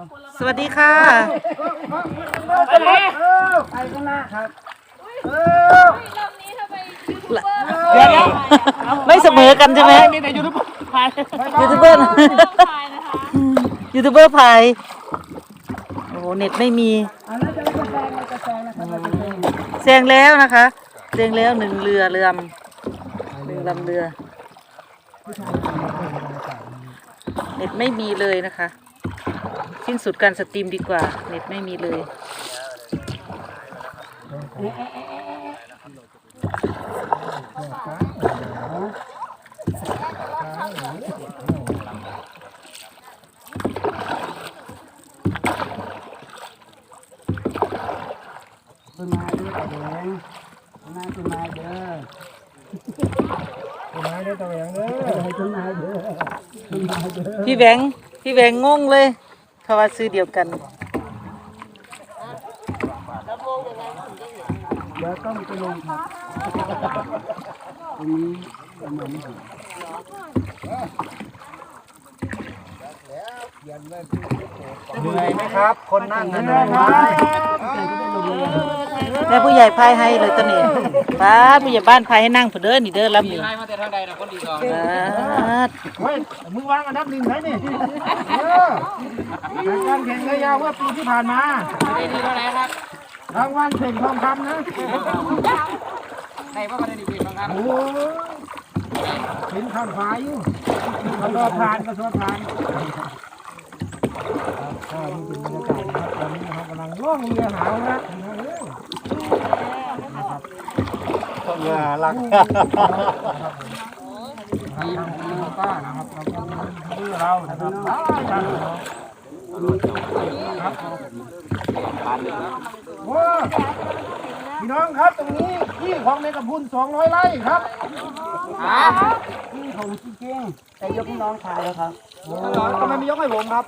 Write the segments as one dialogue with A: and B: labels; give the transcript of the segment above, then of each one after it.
A: สวัสดีค่ะ
B: ไปข้างหน้าครับ
C: รอบนี้ทำไมยูทูบเบอร์
A: เดี๋ยวไม่เสมอกันใช่ไหม
B: มีแต่ยูทูบเบอร์พาย
A: ยูทูบเบอร์
C: ถ่ายนะคะ
A: ยูทูบเบอร์พายโอ้โหเน็ตไม่มี
B: อันนั้นจะแซงเราจะแซงนะครับเราจะแซง
A: แซงแล้วนะคะแซงแล้วหนึ่งเรือหนึ่งลำเรือเน็ตไม่มีเลยนะคะสิ้นสุดการสตรีมดีกว่าเน็ตไม่มีเลย
B: ต้นไม้ด้วยตะแหวงต้นไม้ต้นไม้เด้อต้นไม้ด้วยตะแหวงเด้อต้นไม้เด้อต้นไม้เด้อ
A: พี่แหวงงงเลยเขาว่าซื้อเดียวกัน
B: เดี๋ยวต้องไปลงครับตรงนี้ประมาณนี้เหนื่อยไหมครับคนนั่งเหนื่อยไหม
A: แม่ผู้ใหญ่พายให้เลยตอนนี้ป้าผู้ใหญ่บ้านพายให้นั่งเผื่อเด้อนี่เด้อลำนี้
D: มาแต่ทางใดนะคนดีก่อน
B: เฮ้ยมึงวางอันดับหนึ่งไหนนี่การแข่งเรือยาวเมื่อปีที่ผ่านมา
D: ได้ดีเท่าไหร่ครับ
B: รางวัลเข่งทองคำนะ
D: ในว่าประเด็นดีบางครับ
B: โอ้เห็นข้าวฟ้าอยู่กระสอบผ่านก็นี่เป็นบรรยากาศนะครับตอนนี้นะครับกำลังล่องเรือหาวนะเรือลักทีมป้านะครับเราก็เรือเรานะครับครับโอ้พี่น้องครับตรงนี้ที่ของในกระพุน200 ไร่ครับที่ของจริงๆแต่ยกให้น้องชายแล้วครับทำไมไม่ยกให้ผมครับ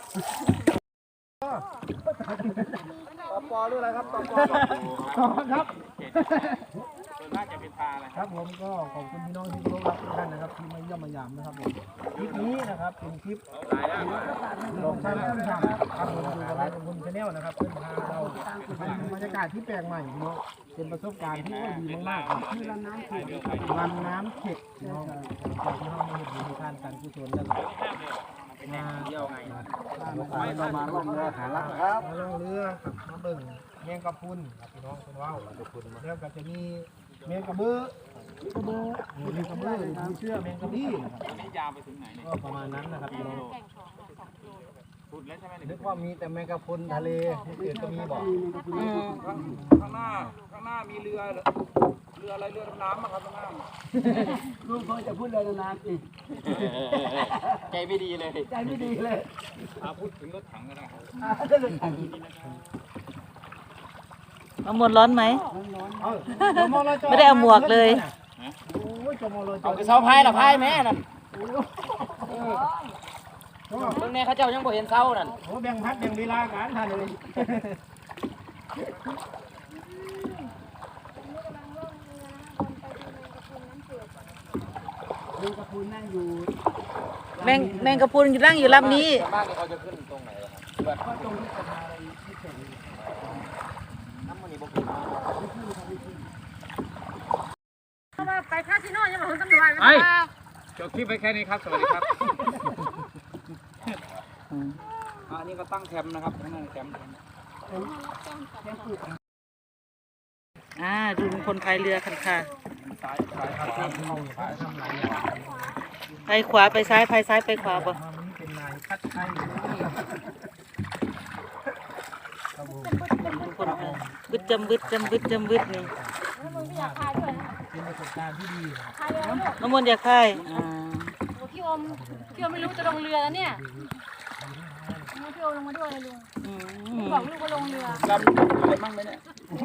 B: ปอหรืออะไรครับปอครับ
D: น่าจะเป็นปลาอะไร
B: ครับผมก็ขอบคุณพี่น้องที่เคารพรักทุกท่านนะครับที่มาเยี่ยมมายามนะครับผมคลิปนี้นะครับเป็นคลิปลงทางต้นทางครับผมอยู่กับคุณชาแนลนะครับเพื่อนพาเราเป็นบรรยากาศที่แปลกใหม่เนาะเป็นประสบการณ์ที่ดีมากๆครับที่ลำน้ำเข็ดเนาะจากที่เรามาเห็นในการการกุศลแล้วมาเที่ยวไงเรามาล่องเรือหาลักครับมาล่องเรือครับมาเบิ่งแมงกะพรุนครับพี่น้องคุณว่าวแล้วก็จะมีแมงกะเบื้อแมงกะเบื้อมีเชื่อแมงกะบี้นะครับ
D: นี่ยาวไปถึงไหนเนี่ย
B: ก็ประมาณนั้นนะครับพี่น้อง
D: พูดแล้วใช่ไหม
B: นึกว่ามีแต่แมงกะพรุนทะเลที่อื่นก็มีบอก
D: ข้างหน้ามีเรืออะไรเรือดำน้ำมาครับข้างหน้า
B: ลูกเขาจะพูดเลยนานๆสิ
D: ใจไม่ดีเลย
B: ใจไม่ดีเลย
D: พูดถึงรถถังก็ได้
A: มะม่วงร้อนไหม
B: ไม่
A: ไม่ได้เอาหมวกเลย
D: เอาไปเสาพายหรอพายแม่นั่นเมื่อไงเขาเจ้ายังบ่เห็นเสานั่น
B: โอ้แบ่งพัดแบ่งเวลากันท่านเลยแมงกะพรุนนั่งอยู่
A: แมงกะพรุนนั่งอยู่ลำนี้
D: บ้านเขาจะขึ้นตรงไหนครับ
B: ก็ตรงที่สะพานอะไรที่เข็น
D: น้ำมันนี่บ่ขึ้น
C: ไปคาสิโนยังมาถึงตำรวจ
D: ไปจบคลิปไปแค่นี้ครับสวัสดีครับอันนี้ก็ตั้งแคมป์นะครับตั้งแคมป์
A: ดูลุงพลพายเรือกันค่ะ
D: ซ้ายครับซ้ายทำไร
A: ไปขวาไปซ้ายพายซ้ายไปขวาบ่
B: มันเป็นนายพัดไทย
A: ลุงพลบึดจำบึดนี่
C: มึงไม่อยากพายด้วยนะ
B: เป็นประสบการณ์ที่ดี
C: พายเรือลูก
A: มะม่วงอยากพาย
C: พี่อมไม่รู้จะลงเรือแล้วเนี่ยพี่อมลงมาด้วยลุงบอกลูกว่าลงเรือ
D: ลำเป็นบ้างไหมเนี่ย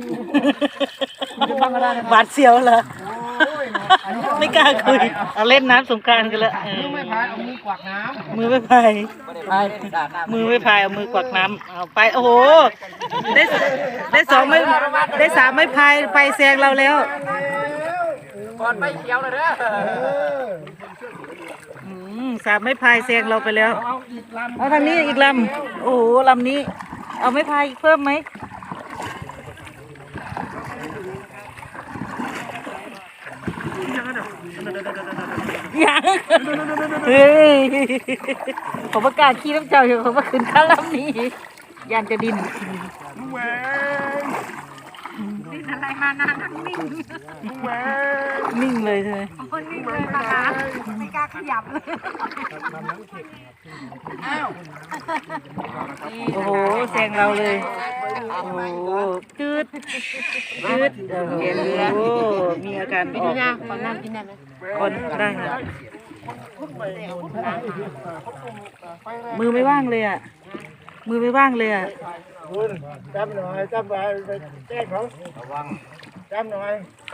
A: หวาดเสียวเหรอไม่กล้าคุยเอาเล่นน้ำสงกรานต์กันละ
B: ไม่พายเอามือกวักน้
A: มือไม่พาย
D: ไม่ได้พายสาดน้ำ
A: มือไม่พายเอามือกวักน้ำเอาไปโอ้โหได้สองไม่ได้สามไม่พายไปแซงเราแล้ว
D: ก่อนไปเขียวเลยเด้อ
A: อืมสามไม้พายแซงเราไปแล้ว
B: เอาอีกลำ
A: เอาทางนี้อีกลำโอ้โหลำนี้ เอาไม้พายเพิ่มไหมยังเฮ้ยผมประกล้าศขี้น้ำเจ้าอยู่ผมว่าขึ้นข้างลำนี้ยานจะดิน
C: อะไรมานานนิ่ง
A: นิ่งเลยใช่ไหม
C: คนนิ่งเลยนะคะไม่กล้าขยับเลย
A: โอ้โหแซงเราเลยโอ้โหจืดจืดโอ้โหมีอาการออก
C: ขอน้ำกินได้ไหม
A: คนได้ค่ะมือไม่ว่างเลยอ่ะมือไม่ว่างเลยอ่ะ
B: คุณจำหน่อยจำไว้ไปแจ้งเขาระวังจำหน่อย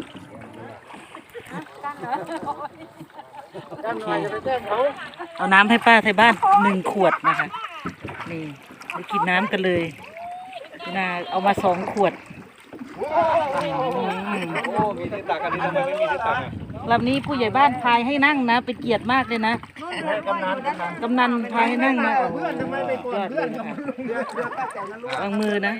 B: จำหน่อยจะไปแจ้งเขา
A: เอาน้ำให้ป้าไทยบ้าน1 ขวดนะคะนี่ไปกินน้ำกันเลยนาเอามา2 ขวด
D: โอ้มีที่ตักกันนี่ทำไมไม่มีที่ตักอ่ะ
A: ลำนี้ผู้ใหญ่บ้านพายให้นั่งนะเป็นเกียรติมากเลยนะกำนันพายให้นั่งนะโอ้โหยอดเลยนะคะวางมือนะ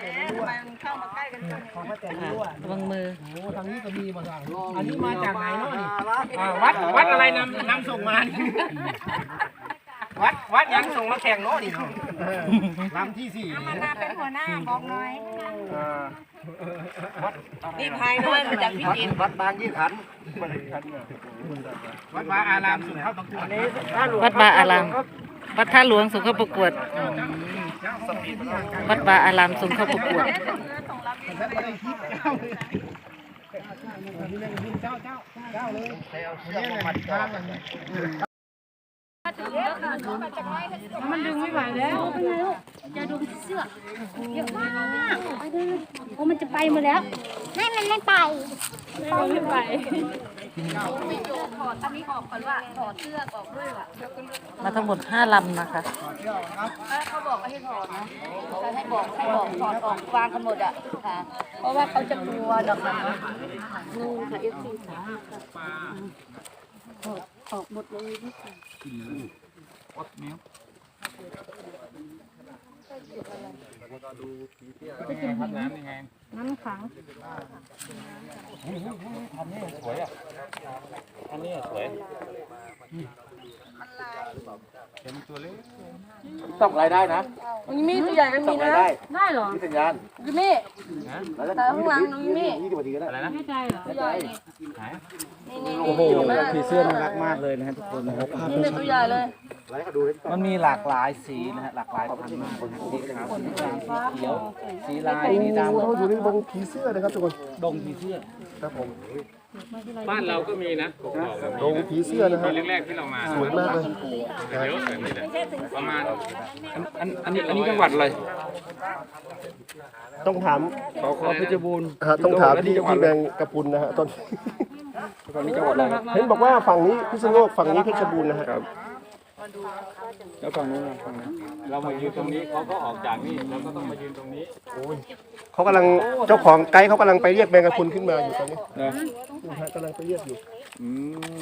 A: ค่ะวางมือ
B: โอ้ทางนี้ก็มีมาสั่งอันนี้มาจากไหนเนาะนี่วัดอะไรนำส่งมาวัดยังส่งมาแข่งเนาะนี่เนาะลำที่4
C: มานาเป็นหัวหน้าบอกหน่อย
A: นี่พายน้อยมาจากพิจิตร
B: วัดบางยี่ขันวัดบางอารามสุดเข้าประกวด
A: วัดบาอารามวัดท่าหลวงส่งเข้าประกวดวัดบาอารามส่งเข้าประกวด
C: มันดึงไม่ไหวแล้วเป็นไงลูกอย่าดูเสื้อเยอะมากโอ้มันจะไปหมดแล้วไม่มันไม่ไปไม่ไปถอดอันนี้ออกก่อนว่าถอดเสื้อออกด้วยว่ะ
A: มาทั้งหมด5 ลำนะคะ
C: เขาบอกว่าให้ถอดนะให้บอกถอดออกวางกันหมดอ่ะค่ะเพราะว่าเขาจะกลัวดอกมันนู่นค่ะ FC ค่ะออกหมดเลยนี่ค่ะน้ำขัง
D: สวยอ่ะอันนี้สวยเป็นตัวเล็กต้องรายได้นะ
C: มีตัวใหญ่มันมีนะได้เหรอ
B: สัญญาณ
C: ยูมี่แต่ข้างหลังน้องยูมี่
B: 20 นาทีก็ได้
D: อะไรนะ
C: ไม่ใจเหรอตัวใหญ่นี่
B: โอ้โหผีเสื้อน่ารักมากเลยนะฮะทุกคนนะครับ
C: นี่ตัวใหญ่เลย
B: มันมีหลากหลายสีนะฮะหลากหลายพันธุ์มากสีขาวสีดำสีเขียวสีลายสีดำ
E: เราอยู่ในดงผีเสื้อนะครับทุกคน
B: ดงผีเสื้อ
E: ครับผม
D: บ้านเราก็มีนะ
E: ดงผีเสื้อนะฮะ
D: แรกๆที่เรามา
E: สวยมากเลย
D: เดี๋ยวแบบนี้แหละประมาณอันนี้จังหวัดอะไร
E: ต้องถาม
D: ขอเพชรบูรณ์
E: ต้องถามพี่แบงกระพุนนะฮะตอน
D: ตอนนี้จังหวัดอะไร
E: เห็นบอกว่าฝั่งนี้พิษณุโลกฝั่งนี้เพชรบูรณ์นะฮะ
D: แล้วฝั่งนู้นฝั่งนั้นเรามายืนตรงนี้เขาก็ออกจากนี่เราก็ต้องมายืนตรงนี้
E: เขากำลังเจ้าของไกด์เขากำลังไปเรียกแบงกระพุนขึ้นมาอยู่ตอนนี้
D: นะ
E: นะฮะกำลังไปเรียกอยู่
D: อืม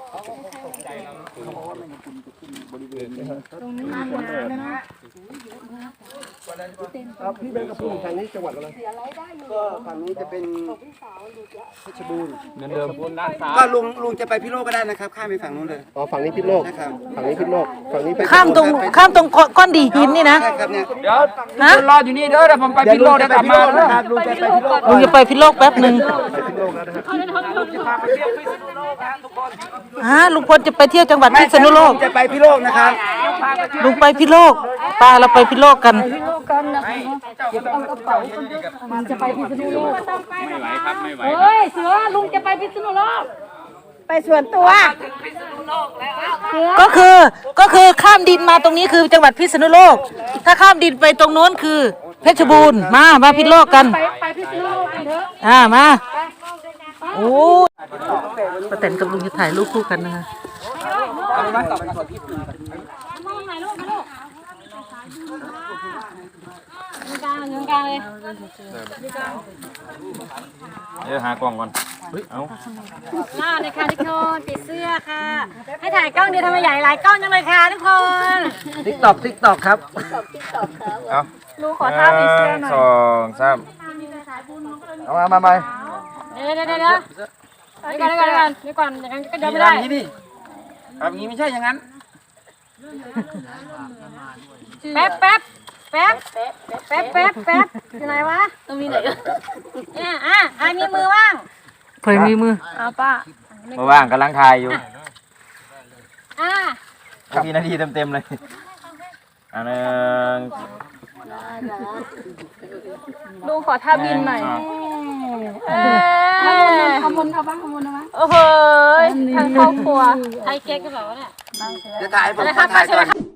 E: ครับพี่แบงกระพุนทางนี้จังหวัดอะไรก็ฝั่งนี้จะเป็นเพชรบูรณ์
D: เหมือนเดิมบนด้านซ้าย
F: ก็ลุงจะไปพิโลกก็ได้นะครับ ข้ามไปฝั่งนู้นเลย
E: อ๋อฝั่งนี้พิษณุโลก
F: นะครับ
E: ฝั่งนี้พิษณุโลกฝั่งนี้ไป
A: ข้ามตรงก้อนดีหินนี่นะ
F: ใช่ครับเนี่ย
D: เดี๋ยวรออยู่นี่เด้อเดี๋ยวผมไปพิโลกเดี๋ยวกลับมา
E: นะครับลุงจะไปพิษณุโลก
A: ลุงจะไปพิโลกแป๊บหนึ่ง
E: ไปพิษณุโลกแล้วนะครับ
A: ลุงพลจะไปเที่ยวจังหวัดพิษณุโลก
F: จะไปพิโลกนะครับ
A: ลุงไปพิโลกป้าเราไปพิโลกกัน
C: มันจะไปพิษณุโลก
D: ไม่ไหวครับไม่ไหว
C: เฮ้ยเสือลุงจะไปพิษณุโลกไปส่วนตัว
A: ก็คือข้ามดินมาตรงนี้คือจังหวัดพิษณุโลก ถ้าข้ามดินไปตรงโน้นคือเพชรบูรณ์มาพิษณุโลกกัน
C: ไปพิษณุโลกกันเถอะ
A: มาโอ้ป้าแตนกับลุงจะถ่ายรูปคู่กันนะคะ
C: มองไหนลูกมาลูกกลางยืนกลางเลย
D: เดี๋ยวหากล่องก่อนเอา
C: หน้าเลยค่ะทุกคนติดเสื้อค่ะ ให้ถ่ายกล้องเดียวทำไมใหญ่หลายกล้องจังเลยค่ะทุกคน
B: ติ๊กตอกครับ
D: เอา
C: ลูกขอท่าติดเสื้อหน่อย
D: สองสาม
B: เอามาใหม่
C: เดี๋ยวเดี๋ยวอย่างนั้นก็เดินไม่ได้
D: แบบนี้ไม่ใช่อย่างนั้น
C: แป๊บอยู่ไหนวะต้องมีไหนเนี่ยใครมีมือว่าง
A: เคยมีมือ
C: เอาป้า
D: เมื่อว่างกำลังถ่ายอยู่
C: อ่ะ
D: กี่นาทีเต็มๆเลยอันนึง
C: ลุงขอท่าบินหน่อยขมุนเอาบ้างโอ้โหทางครอบครัวไทยเก๊กก็แบบว่าเนี่ย
F: จะถ่ายผม
C: อะไร
F: ขอ
C: คะ
F: ถ่ายก่อน